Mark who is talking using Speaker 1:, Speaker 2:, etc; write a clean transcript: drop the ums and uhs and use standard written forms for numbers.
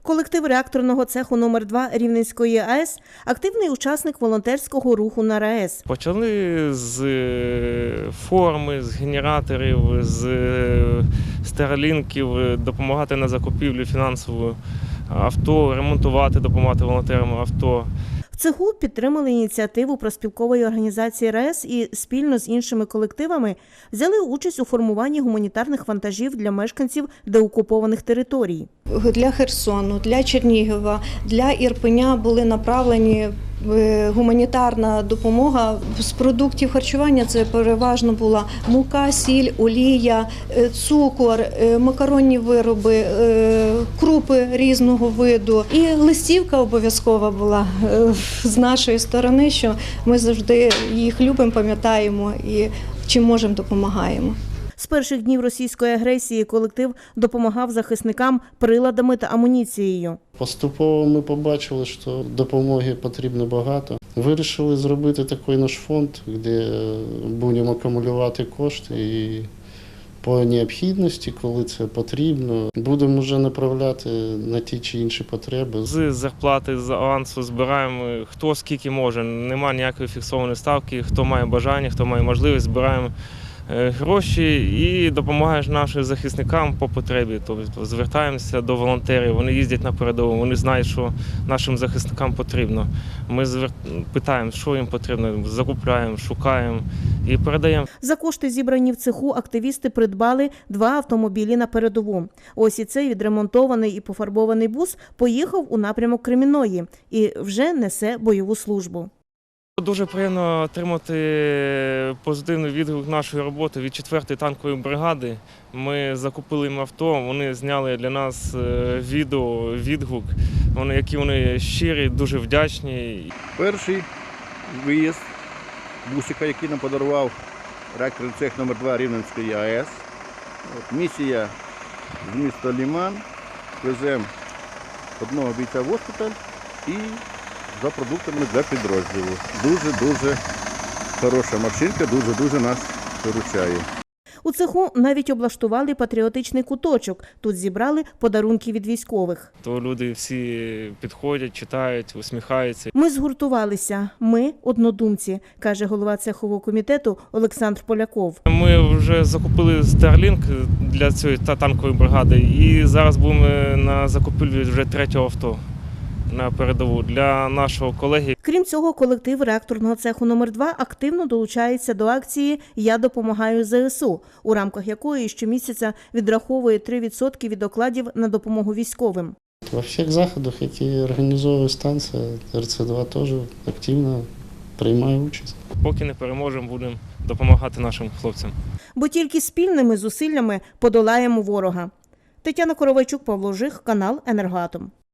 Speaker 1: Колектив реакторного цеху номер 2 Рівненської АЕС – активний учасник волонтерського руху на РаЕС.
Speaker 2: Почали з форми, з генераторів, з старлінків, допомагати на закупівлю фінансову авто, ремонтувати, допомагати волонтерам авто.
Speaker 1: В цеху підтримали ініціативу профспілкової організації РаЕС і спільно з іншими колективами взяли участь у формуванні гуманітарних вантажів для мешканців деокупованих територій.
Speaker 3: Для Херсону, для Чернігова, для Ірпеня були направлені гуманітарна допомога. З продуктів харчування це переважно була мука, сіль, олія, цукор, макаронні вироби, крупи різного виду. І листівка обов'язкова була з нашої сторони, що ми завжди їх любимо, пам'ятаємо і чим можемо допомагаємо.
Speaker 1: З перших днів російської агресії колектив допомагав захисникам приладами та амуніцією.
Speaker 4: Поступово ми побачили, що допомоги потрібно багато. Вирішили зробити такий наш фонд, де будемо акумулювати кошти і по необхідності, коли це потрібно, будемо вже направляти на ті чи інші потреби.
Speaker 2: З зарплати, з авансу збираємо хто скільки може. Немає ніякої фіксованої ставки, хто має бажання, хто має можливість, збираємо гроші і допомагаєш нашим захисникам по потребі. Тобто звертаємося до волонтерів, вони їздять на передову, вони знають, що нашим захисникам потрібно. Ми питаємо, що їм потрібно, закупляємо, шукаємо і передаємо.
Speaker 1: За кошти, зібрані в цеху, активісти придбали 2 автомобілі на передову. Ось і цей відремонтований і пофарбований бус поїхав у напрямок Кремінної і вже несе бойову службу.
Speaker 2: Дуже приємно отримати позитивний відгук нашої роботи від 4-ї танкової бригади. Ми закупили їм авто, вони зняли для нас відео, відгук, які вони щирі, дуже вдячні.
Speaker 5: Перший виїзд бусика, який нам подарував реакторний цех номер 2 Рівненської АЕС. Місія з міста Лиман. Веземо одного бійця в госпіталь і за продуктами для підрозділу. Дуже-дуже хороша машинка, дуже-дуже нас виручає.
Speaker 1: У цеху навіть облаштували патріотичний куточок. Тут зібрали подарунки від військових.
Speaker 2: То люди всі підходять, читають, усміхаються.
Speaker 1: Ми згуртувалися, ми однодумці, каже голова цехового комітету Олександр Поляков.
Speaker 2: Ми вже закупили Starlink для цієї танкової бригади і зараз будемо на закупівлі вже 3-го авто на передову для нашого колеги.
Speaker 1: Крім цього, колектив реакторного цеху номер 2 активно долучається до акції «Я допомагаю ЗСУ», у рамках якої щомісяця відраховує 3% від окладів на допомогу військовим.
Speaker 4: Во всіх заходах, які організовує станція, РЦ-2 теж активно приймає участь.
Speaker 2: Поки не переможемо, будемо допомагати нашим хлопцям.
Speaker 1: Бо тільки спільними зусиллями подолаємо ворога. Тетяна Коровайчук, Павло Жих, канал «Енергоатом».